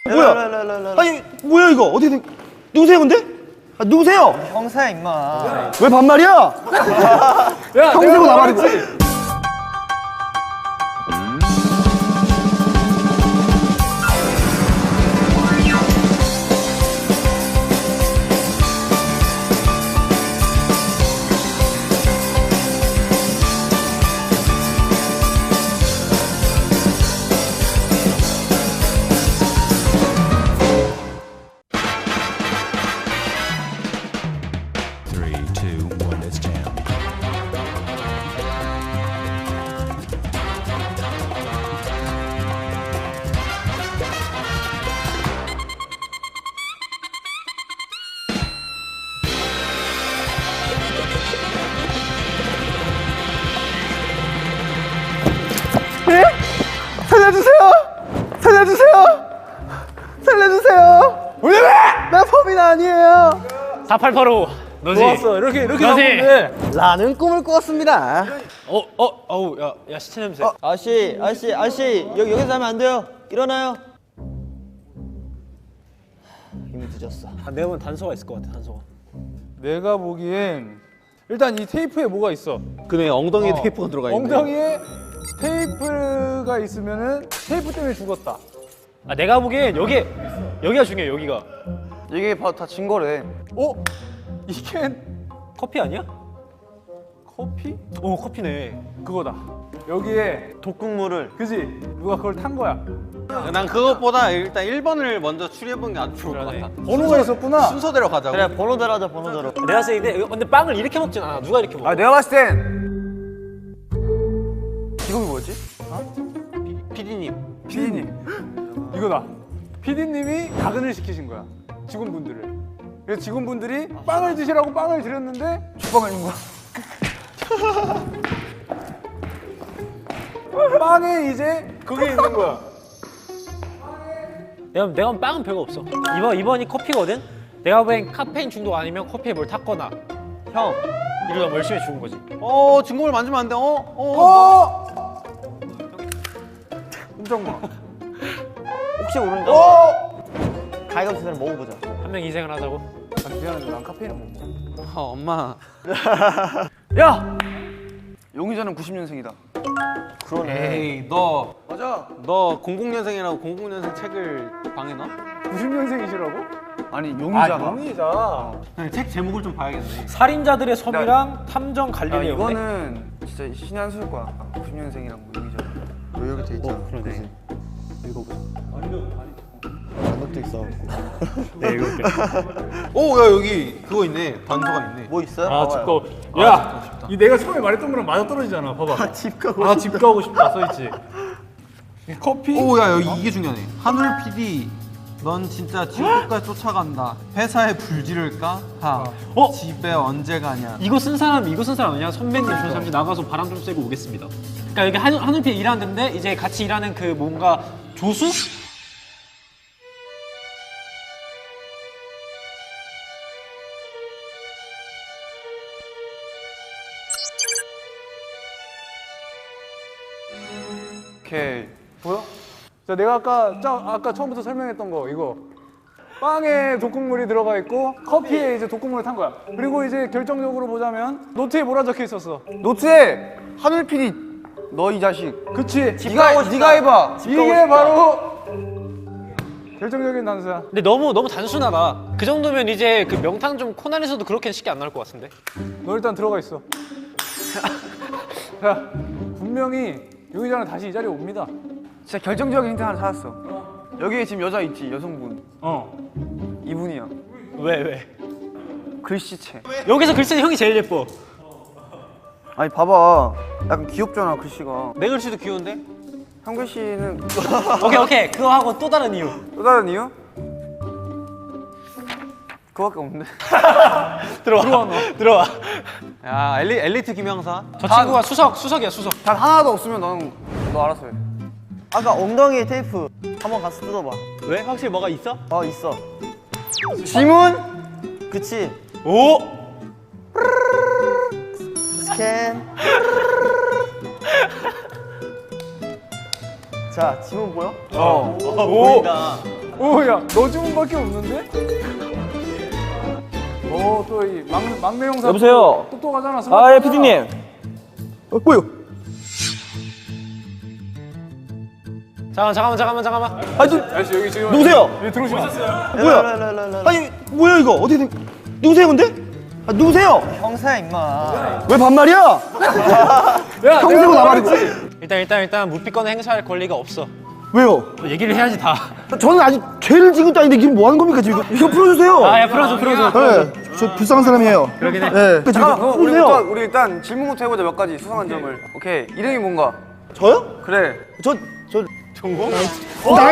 뭐야? 아니 뭐야 이거 어떻게 된? 누구세요 근데? 아, 누구세요? 형사야 임마. 왜 반말이야? 야, 형세고 나발이지. 살려주세요! 살려주세요! 살려주세요! 왜? 나 범인 아니에요. 4885 너지? 좋았어. 이렇게 너지? 나오는데. 라는 꿈을 꾸었습니다. 어우 야 시체 냄새. 아저씨 여기서 하면 안 돼요. 일어나요. 이미 늦었어. 내가 보면 단서가 있을 것 같아. 단서가. 내가 보기엔 일단 이 테이프에 뭐가 있어. 그네 엉덩이에 테이프가 들어가 있네. 엉덩이에 테이프가 있으면은 테이프 때문에 죽었다. 아 내가 보기엔 여기가 중요해. 여기가. 이게 다 증거래. 어? 이게 커피 아니야? 커피? 오 커피네. 그거다. 여기에 독극물을. 그지? 누가 그걸 탄 거야. 난 그것보다 일단 1번을 먼저 추리해보는 게 아주 좋을 것 같아. 번호가 있었구나. 순서대로 가자고. 그래 번호대로 하자 번호대로. 내가 봤을 때 근데 빵을 이렇게 먹진 않아. 누가 이렇게 먹어? 내가 봤을 땐 직업이 뭐였지? PD님. PD님. 이거다. PD님이 야근을 시키신 거야. 직원분들을. 그래서 직원분들이 빵을 드시라고 빵을 드렸는데 죽빵을 준 거야. 빵에 이제 그게 있는 거야. 내가 보면 빵은 별거 없어. 이번이 커피거든. 내가 보기엔 카페인 중독 아니면 커피에 뭘 탔거나 형 이러다 뭐 열심히 죽은 거지. 증거물 만지면 안 돼. 엄정마. 혹시 모르니까 가위바위보 먹어보자. 한 명 인생을 하자고. 미안한데 난 카페인을 못 먹어. 엄마. 야! 용의자는 90년생이다. 에이, 너 맞아. 00년생이라고 00년생 책을 방에 넣어? 90년생이시라고? 아니 용의자가. 용의자. 책 제목을 좀 봐야겠네. 살인자들의 섬이랑 탐정 갈릴레오. 이거는 진짜 신의 한 수일 거야. 90년생이랑 뭐 용의자. 왜 이렇게 돼 있잖아. 그러네. 단독도 있어갖고. 네 읽어볼게. 오, 야 여기 그거 있네. 단서가 있네. 뭐 있어요? 아 봐봐요. 집거. 야, 이 내가 처음에 말했던 거랑 맞아 떨어지잖아. 봐봐. 집 가고. 아, 집 가고 싶다 써있지. 커피? 오, 야 여기 이게 중요하네. 한울 PD, 넌 진짜 지옥 끝까지 쫓아간다. 회사에 불 지를까? 집에 언제 가냐? 이거 쓴 사람 아니야? 선배님 저 잠시 나가서 바람 좀 쐬고 오겠습니다. 그러니까 여기 한울피 일하는 데인데 이제 같이 일하는 그 뭔가 조수? 오케이. 보여? 자, 내가 아까 처음부터 설명했던 거 이거. 빵에 독극물이 들어가 있고 커피에 이제 독극물을 탄 거야. 그리고 이제 결정적으로 보자면 노트에 뭐라 적혀 있었어? 노트에 하늘 PD 너 이 자식. 그치? 네가 해봐. 이게 바로 결정적인 단서야. 근데 너무 단순하다. 그 정도면 이제 그 명탕 좀 코난에서도 그렇게 쉽게 안 나올 것 같은데. 너 일단 들어가 있어. 자, 분명히 용의자는 다시 이 자리에 옵니다. 진짜 결정적인 힌트 하나 찾았어. 여기에 지금 여자 있지 여성분. 이분이야. 왜? 글씨체. 여기서 글씨는 형이 제일 예뻐. 아니 봐봐. 약간 귀엽잖아 글씨가. 내 글씨도 귀여운데? 형 글씨는 오케이 그거 하고 또 다른 이유. 또 다른 이유? 그거밖에 없는데. 들어와. 야 엘리트 김영사. 저 친구가 수석이야 수석. 단 하나도 없으면 너는 너 알아서 해. 아까 엉덩이에 테이프 한번 가서 뜯어봐. 왜? 확실히 뭐가 있어? 있어. 지문? 그치. 오. 스캔. 자 지문 보여? 오. 보인다. 오야 너 주문밖에 없는데? 또 이 막내 형사 여보세요? 똑똑하잖아. 아, 예, PD님. 뭐요? 잠깐만. 아저씨 여기 지금 누구세요? 여기 들어오시면 뭐야? 아니, 뭐야, 이거? 어떻게 된, 누구세요, 근데? 아, 누구세요? 형사야 임마. 왜 반말이야? 야 형세고 나발이고. 일단 무피권을 행사할 권리가 없어. 왜요? 얘기를 해야지 다. 저는 아직 죄를 지은 것도 아닌데 지금 뭐 하는 겁니까, 지금? 이거 풀어주세요. 야 풀어줘. 네, 저 불쌍한 사람이에요. 그러긴 해. 네. 잠깐만 그럼 풀어주세요. 우리 일단 질문부터 해보자. 몇 가지 수상한 점을. 오케이 이름이 뭔가? 저요? 그래. 저 전공? 나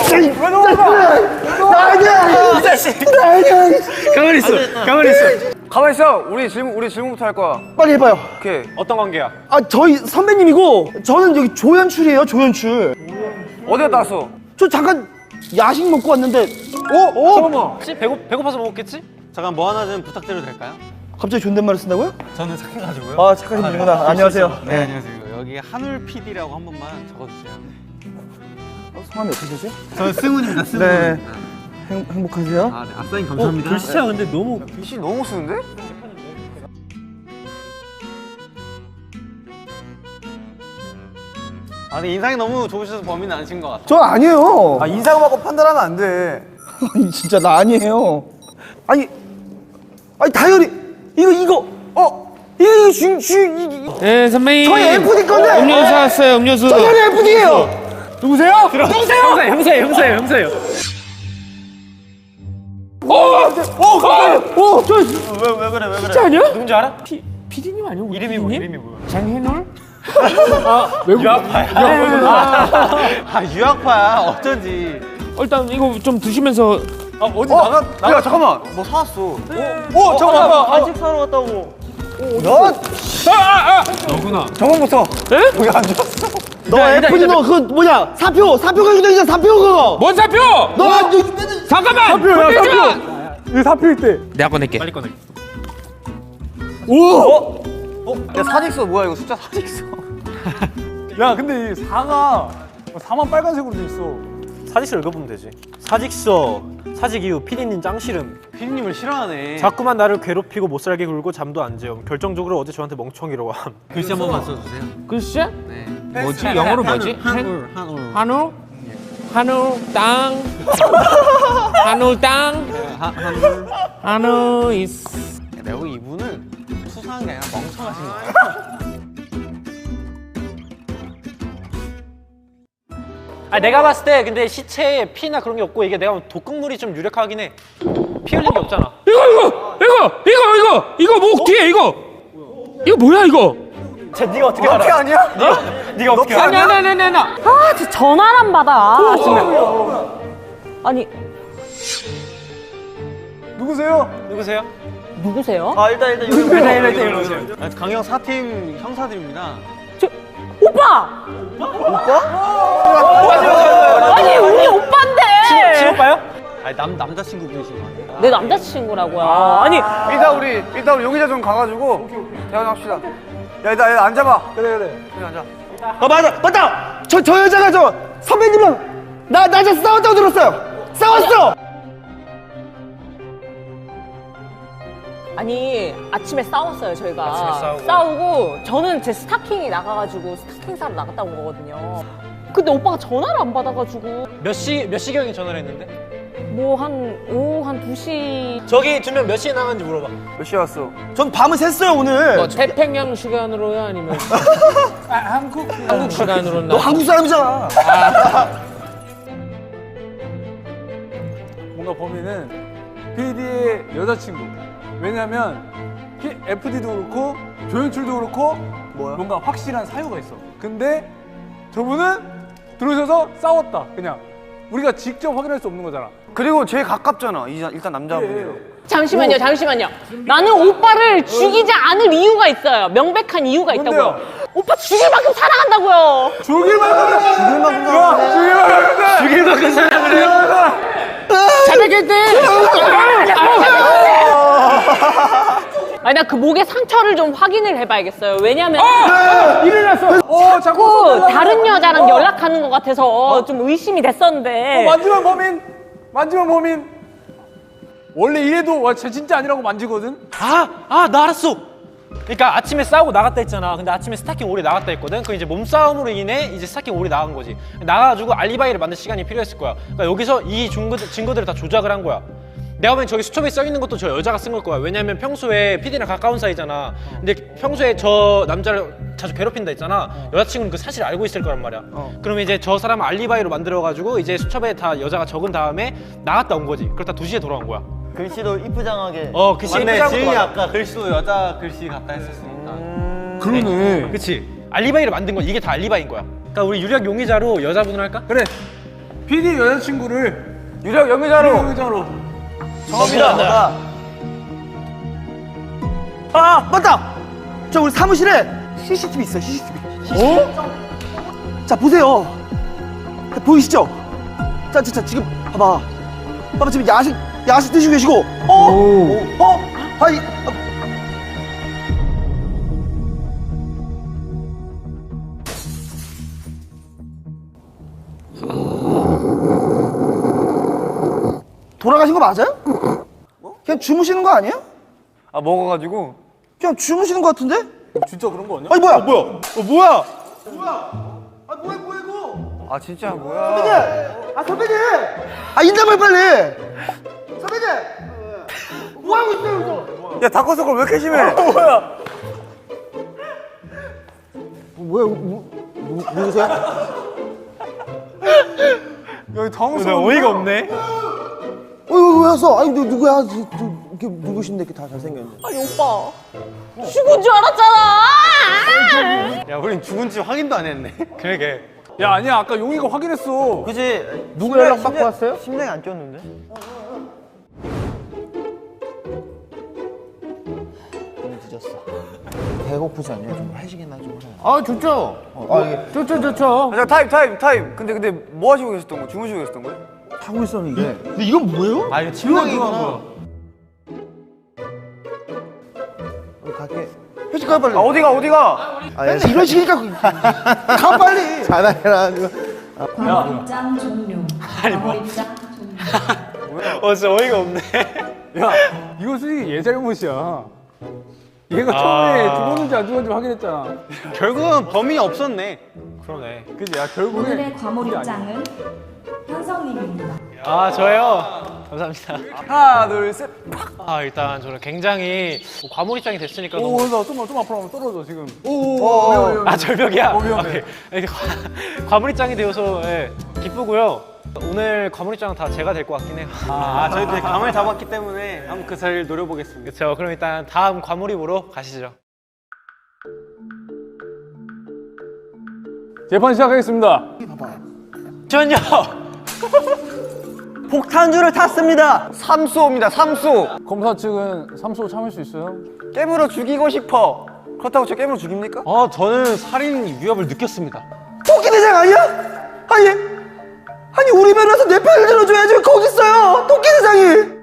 이 자식! 가만히 있어. 가만 있어. 우리 질문부터 할 거야. 빨리 해봐요. 오케이. 어떤 관계야? 아, 저희 선배님이고 저는 여기 조연출이에요, 조연출. 어디에 따서? 저 잠깐 야식 먹고 왔는데 잠깐만. 혹시 배고파서 먹었겠지? 잠깐 뭐 하나 좀 부탁드려도 될까요? 갑자기 존댓말을 쓴다고요? 저는 착해가지고요. 아, 착하신 분이구나. 안녕하세요. 네, 안녕하세요. 여기 한울 PD라고 한 번만 적어주세요. 성함이 어떻게 되세요? 저는 승훈입니다. 승훈. 네. 행복하세요? 아, 네. 앞사인 감사합니다. 글씨가 근데 너무 글씨 너무 못 쓰는데? 아, 근데 인상이 너무 좋으셔서 범인은 아니신 것 같아요. 저 아니에요. 아 인상 받고 판단하면 안 돼. 아니, 진짜 나 아니에요. 아니 다이어리 이거 이거 네 선배님 저희 FD 건데. 음료수 왔어요 음료수 저희 FD예요. 누구세요? 형사예요. 왜 그래? 진짜 아니야? 누군지 알아? PD님 아니고 이름이 뭐야? 장해놀? 아, 유학파야. 어쩐지. 일단 이거 좀 드시면서 어디 나가? 야 잠깐만. 뭐 사왔어. 잠깐만. 간식 사러 갔다고. 너구나 저번부터. 너 FD 너 그 뭐냐 사표 가지고 사표 그거. 뭔 사표? 너 잠깐만 사표야 건들지 마! 사표. 이거 사표일 때. 내가 꺼낼게 빨리 꺼내. 야 사직서 뭐야 이거 숫자 사직서. 야 근데 이 4만 빨간색으로 돼 있어. 사직서 읽어보면 되지. 사직서. 사직 이후 피디님 짱 싫음. 피디님을 싫어하네. 자꾸만 나를 괴롭히고 못살게 굴고 잠도 안 재움. 결정적으로 어제 저한테 멍청이라고 함. 글씨 한 번만 써주세요. 글씨? 네. 뭐지? 영어로 뭐지? 한울. 한우? 한우 땅 한우 땅 한울. 한우 is 내가 보기 이분은 수상한 게 아니라 멍청하신 거야. 아 내가 봤을 때 근데 시체에 피나 그런 게 없고 이게 내가 보면 독극물이 좀 유력하긴 해. 피 흘린 게 없잖아. 이거 목 뒤에 이거 뭐야 이거? 네가 어떻게 알아? 피 아니야? 네가 어떻게 알아? 아니야 아, 진짜 전화를 안 받아. 아침에. 아니, 누구세요? 누구세요? 누구세요? 아 일단 일단 오세요. 아, 강영 4팀 형사들입니다. 오빠! 아니, 우리 오빠인데! 친오빠요? 아니, 남자친구분이신 거 아니에요? 내 남자친구라고요. 아니, 일단 우리 용의자 좀 가가지고 대화합시다. 야 일단 앉아봐. 그래. 여기 앉아. 아 맞다. 저 여자가 저 선배님이랑 낮에 싸웠다고 들었어요. 싸웠어. 아니, 아침에 싸웠어요, 저희가. 아침에 싸우고. 싸우고, 저는 제 스타킹이 나가가지고 스타킹 사러 나갔다 온 거거든요. 근데 오빠가 전화를 안 받아가지고, 몇 시경에 전화를 했는데? 뭐 오후 한 2시. 저기 두 명 몇 시에 나갔는지 물어봐. 몇 시에 왔어? 전 밤을 샜어요 오늘. 뭐 태평양 시간으로요 아니면 한국 시간으로 너 한국 사람이잖아. 뭔가 범인은 PD의 여자친구. 왜냐면 FD도 그렇고 조연출도 그렇고 뭔가 확실한 사유가 있어. 근데 저분은 들어오셔서 싸웠다. 그냥 우리가 직접 확인할 수 없는 거잖아. 그리고 제일 가깝잖아. 일단 남자분이요. 잠시만요. 나는 오빠를 죽이지 않을 이유가 있어요. 명백한 이유가 있다고요. 뭔데요? 오빠 죽일 만큼 사랑한다고요. 죽일 만큼 사랑을 해. 자백했대 아니 나 그 목에 상처를 좀 확인을 해봐야겠어요. 왜냐면 자꾸 자꾸 다른 여자랑 연락하는 것 같아서 좀 의심이 됐었는데. 마지막 범인 만지면 범인. 원래 이래도 와, 쟤 진짜 아니라고 만지거든. 나 알았어. 그러니까 아침에 싸우고 나갔다 했잖아. 근데 아침에 스타킹 오래 나갔다 했거든. 그 이제 몸싸움으로 인해 이제 스타킹 오래 나간 거지. 나가가지고 알리바이를 만들 시간이 필요했을 거야. 그러니까 여기서 이 증거들을 다 조작을 한 거야. 내가 보면 저기 수첩에 써 있는 것도 저 여자가 쓴 걸 거야. 왜냐면 평소에 PD랑 가까운 사이잖아. 근데 평소에 저 남자를 자주 괴롭힌다 했잖아. 여자친구는 그 사실을 알고 있을 거란 말이야. 그러면 이제 저 사람을 알리바이로 만들어가지고 이제 수첩에 다 여자가 적은 다음에 나갔다 온 거지. 그러다 2시에 돌아온 거야. 글씨도 이쁘장하게. 글씨 맞네. 예쁘다고 지은이 봐. 아까 글씨도 여자 글씨 같다 했었으니까. 그러네. 그치. 알리바이를 만든 건 이게 다 알리바이인 거야. 그러니까 우리 유력 용의자로 여자분을 할까? 그래. PD 여자친구를 유력 영의자로. 용의자로. 정합니다. 아 맞다. 저 우리 사무실에 CCTV 있어요. CCTV. 자 보세요. 보이시죠? 자 지금 봐봐. 지금 야식 드시고 계시고. 아니. 돌아가신 거 맞아요? 그냥 주무시는 거 아니에요? 아 먹어가지고. 그냥 주무시는 거 같은데? 진짜 그런 거 아니야? 아니 뭐야? 뭐야? 아 뭐야 이거? 아 진짜 선배님! 뭐야? 아 선배님! 아 인사말 빨리! 선배님! 뭐 하고 있어요 이거? 야 다크서클 왜 이렇게 심해? 누구세요? 여기 당황스러워. 어이가 없네. 왜 왔어? 아니 누구야? 이렇게 누구신데 이렇게 다 잘생겼는데? 아니 오빠 죽은 줄 알았잖아. 야, 우린 죽은지 확인도 안 했네. 그러게. 야 아니야 아까 용이가 확인했어. 그치? 누구 연락 받고 왔어요? 심장이 안 뛰었는데? 너무 늦었어. 배고프지 않냐? 좀 회식이나 좀 해. 아 좋죠. 좋죠. 자 타임. 근데 뭐 하시고 계셨던 거? 주무시고 계셨던 거예요? 하고 있었는데. 근데 이건 뭐예요? 아, 이거 침낭이구나. 갈게. 회식 가 빨리. 아 어디가? 맨날 이런 식이니까 가 빨리. 잘하라. 광고 입장 종료. 광고 입장 종료. 진짜 어이가 없네. 야 이거 솔직히 얘 잘못이야. 얘가 처음에 죽었는지 안 죽었는지 확인했잖아. 결국은 범인이 없었네. 그러네. 그지? 야 결국에 오늘의 과몰 입장은 현성님입니다. 저요? 감사합니다. 하나 둘 셋. 일단 저는 굉장히 과몰입장이 됐으니까 오 너무. 그래서 좀 앞으로 하면 떨어져 지금. 절벽이야? 위험해. 오케이. 이렇게 과몰입장이 되어서 기쁘고요. 오늘 과몰입장은 다 제가 될 것 같긴 해요. 저희도 이제 감을 잡았기 때문에 한번 그 자리를 노려보겠습니다. 그렇죠. 그럼 일단 다음 과몰입으로 가시죠. 재판 시작하겠습니다. 전요. 폭탄주를 탔습니다. 삼수호입니다. 삼수. 검사 측은 삼수 참을 수 있어요? 깨물어 죽이고 싶어. 그렇다고 저 깨물어 죽입니까? 저는 살인 위협을 느꼈습니다. 토끼 대장 아니야? 아니 우리 변호사 내 편을 들어줘야지 왜 거기 있어요? 토끼 대장이.